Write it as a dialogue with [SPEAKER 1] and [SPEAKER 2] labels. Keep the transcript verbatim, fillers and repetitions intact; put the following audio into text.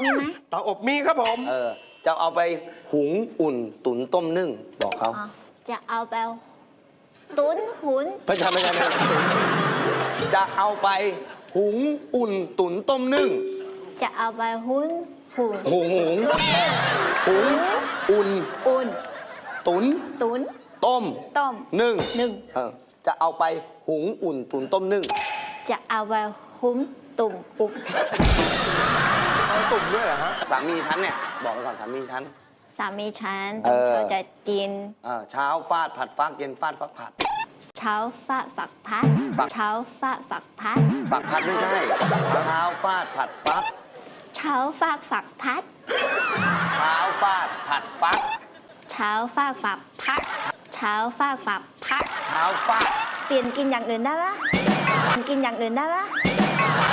[SPEAKER 1] มีไหม
[SPEAKER 2] เตาอบมีครับผม
[SPEAKER 3] เออจะเอาไปหุงอุ่นตุ๋นต้มนึ่งบอกเขา
[SPEAKER 1] อ๋อจะเอาไปตุนหุน
[SPEAKER 3] ไม่ใช่ไม่ใช่ไม่ใช่จะเอาไปหุงอุ่นตุ๋นต้มนึ่ง
[SPEAKER 1] จะเอาไปหุนหุน
[SPEAKER 3] หุงหุงหุงอุ่น
[SPEAKER 1] อุ่น
[SPEAKER 3] ตุ๋น
[SPEAKER 1] ตุน
[SPEAKER 3] ต้ม
[SPEAKER 1] ต้ม
[SPEAKER 3] นึ่ง
[SPEAKER 1] หนึ่ง
[SPEAKER 3] เออจะเอาไปหุงอุ่นตุ๋นต้มนึ่ง
[SPEAKER 1] จะเอาไปหุมตุ่มอุก
[SPEAKER 2] เอาตุ่มด้วยเหรอฮะ
[SPEAKER 3] สามีฉันเนี่ยบอกไปก่อนสามีฉัน
[SPEAKER 1] สามีฉัน
[SPEAKER 3] เออ
[SPEAKER 1] เขาจะกิน
[SPEAKER 3] เออเช้าฟาดผัดฟักเย็นฟาดฟักผัด
[SPEAKER 1] เช้าฟาดฝักพัด
[SPEAKER 3] ฝัก
[SPEAKER 1] เช้าฟาดฝักพัด
[SPEAKER 3] ฝักผัดไม่ใช่เช้าฟาดผัดฟัก
[SPEAKER 1] เช้าฟาดฝักพัด
[SPEAKER 3] เช้าฟาดผัดฟัก
[SPEAKER 1] เช้าฟาดฝักพัด เช้าฟาดฝักพัด
[SPEAKER 3] เช้าฟาด
[SPEAKER 1] เปลี่ยนกินอย่างอื่นได้ปะกินอย่างอื่นได้ปะ